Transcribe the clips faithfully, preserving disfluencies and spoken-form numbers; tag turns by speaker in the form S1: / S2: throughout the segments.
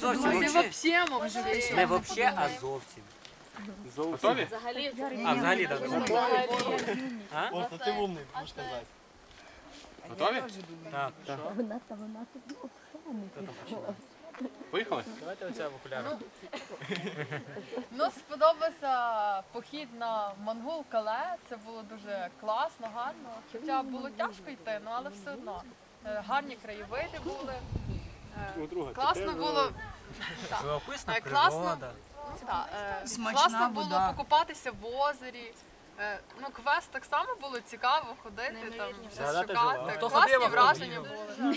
S1: зовсім
S2: Не
S1: вообще.
S2: вообще, може.
S1: Не вообще, а зовсім.
S3: Готові?
S1: А, взагалі, так. А?
S4: О, то ти умний, будеш казати.
S3: Готові?
S1: Так.
S5: Вона та вона тобі обшане.
S3: Поїхали?
S4: Давайте оця в окулярах.
S2: Ну, сподобався похід на Монгол-Кале. Це було дуже класно, гарно. Хоча було тяжко йти, ну але все одно. Е, Гарні краєвиди були. Е, Класно було.
S1: Живописна
S2: Е, класно.
S1: природа.
S2: Так, е,
S6: Смачна
S2: класно було
S6: вода.
S2: покупатися в озері. Е, Ну, квест так само було цікаво ходити, там щось
S1: Згадати
S2: шукати.
S1: жила.
S4: Хто
S2: Класні
S4: ходив, а
S2: враження
S4: хто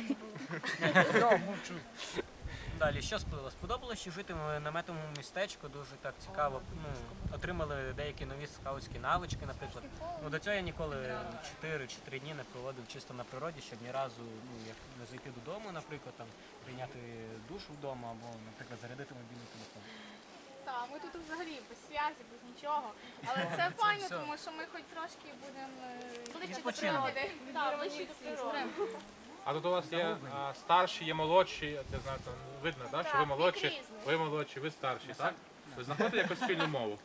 S2: були.
S1: Далі, що сподобалось? Сподобалось, що жити в наметовому містечку, дуже так цікаво. Ну, отримали деякі нові скаутські навички, наприклад. Ну, до цього я ніколи чотири чи три дні не проводив чисто на природі, щоб ні разу ну, як не зайти додому, наприклад, там, прийняти душ вдома або, наприклад, зарядити мобільний телефон.
S7: Так, ми тут взагалі без зв'язі, без нічого. Але це файно, тому що ми хоч трошки будемо ближче до природи. Так, ближче до природи.
S3: А тут у вас є а, старші, є молодші, я знаю, там видно, так, що ви
S7: Так,
S3: молодші,
S7: вік різний.
S3: ви молодші, ви старші, так? Ви знаходите якусь спільну мову?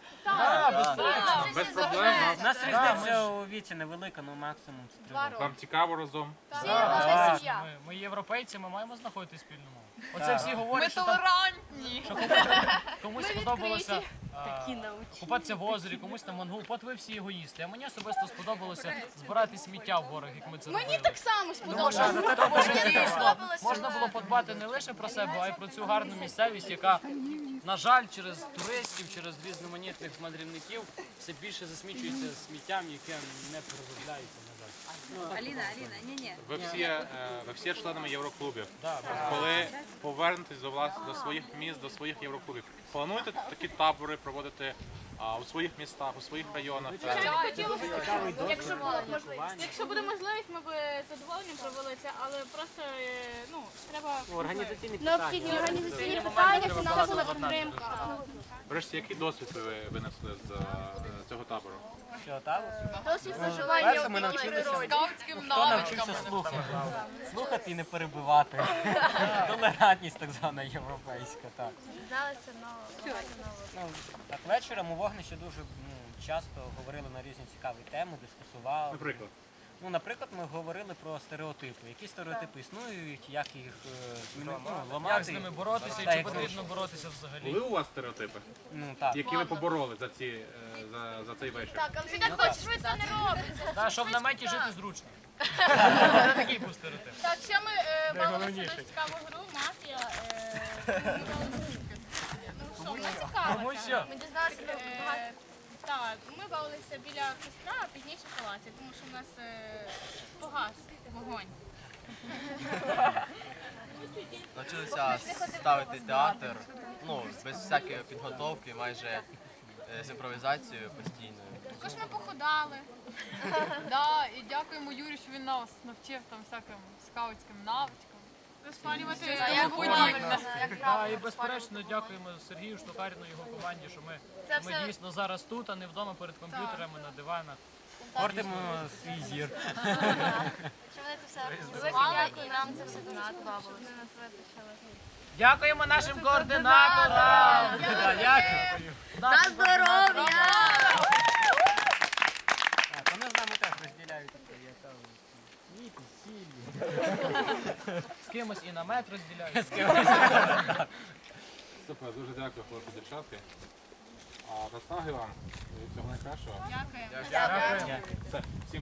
S7: Так,
S3: Без проблем.
S1: У нас різниця у віці невелика, ну максимум це три
S7: Два
S1: роки.
S7: роки.
S3: Вам цікаво разом?
S7: Всі наша сім'я.
S4: Ми, ми європейці, ми маємо знаходити спільну мову. Оце всі
S2: Ми
S4: говорять, що там
S2: толерантні.
S4: комусь
S7: Ми
S4: сподобалося
S7: відкриті.
S4: а, купатися в озері, комусь на Монгол. От ви всі егоїсти. А мені особисто сподобалося збирати сміття в горах, як ми це робили.
S7: Мені так само
S4: Тому що,
S7: сподобалося.
S4: тому що дійсно можна було подбати не лише про себе, а й про цю гарну місцевість, яка, на жаль, через туристів, через різноманітних мандрівників все більше засмічується сміттям, яке не переробляється, на жаль.
S6: Аліна, Аліна, ні-ні.
S3: Ви всі, е, ви всі членами євроклубів.
S4: Да,
S3: Коли повернетесь до влас до своїх міст, до своїх євроклубів, плануєте такі табори проводити а, у своїх містах, у своїх районах?
S7: Звичайно, хотілося б, якщо була можливість. Якщо буде можливість, ми б з задоволенням провели це, але просто е, ну треба
S1: Організаційні
S7: необхідні
S1: питання.
S7: організаційні питання, фінансова підтримка.
S3: Врешті, який досвід ви винесли з е, цього табору?
S1: Що, так?
S7: Досвід
S1: Перше,
S7: проживання
S1: ми
S7: у дикій
S1: навчилися.
S7: природі.
S2: Скаутським
S1: Хто навчився
S2: навичкам.
S1: слухати? Слухати і не перебивати. Толерантність так звана європейська, так.
S7: Дізналися нового.
S1: Ну, так, вечором у вогнищі дуже ну, часто говорили на різні цікаві теми, дискусували.
S3: Наприклад.
S1: Ну, наприклад, ми говорили про стереотипи. Які стереотипи існують, як їх е, змінити, ну, ламати.
S4: Як з ними боротися і
S1: Та,
S4: чи
S1: як
S4: потрібно боротися взагалі?
S3: Були у вас стереотипи,
S1: Ну, так.
S3: які ви побороли за, ці, е, за, за цей вечір?
S7: Так, але ти так хочеш, швидко не робиться.
S4: Та, щоб в наметі жити зручно. Це такий був стереотип.
S7: Так, ще ми е, бавилися дуже цікаву гру, мафія. е, Ну що, вона цікава.
S4: Тому
S7: ця.
S4: що?
S7: Ми дізналися про багато. Так, ми бавилися біля костра, а пізніше в палаці, тому що в нас е, погас вогонь.
S8: Навчилися ставити театр, ну, без всякої підготовки, майже е, з імпровізацією постійною.
S7: Також ми походали.
S2: Да, і дякуємо Юрію, що він нас навчив там всяким скаутським навичкам.
S7: Розпалювати
S2: Щось
S7: як
S2: тому
S7: правильно,
S2: подібне.
S7: як
S4: Та,
S7: правильно
S4: і безперечно дякуємо Сергію Штукаріну і його команді, що ми,
S7: Це
S4: ми
S7: все-
S4: дійсно зараз тут, а не вдома перед комп'ютерами, на диванах.
S1: Портимо свій зір.
S7: Що вони це все організували і нам це все дуже сподобалося.
S4: Дякуємо нашим координаторам! Дякую!
S6: На здоров'я!
S1: Так, вони з нами теж розділяють таке, я кажу, віти, сілі.
S4: З кимось і намет розділяють.
S3: Супер, дуже дякую, хлопці, дівчатки. А наснаги вам і всього найкращого.
S7: Дякую.
S4: Дякую.
S3: Все, всім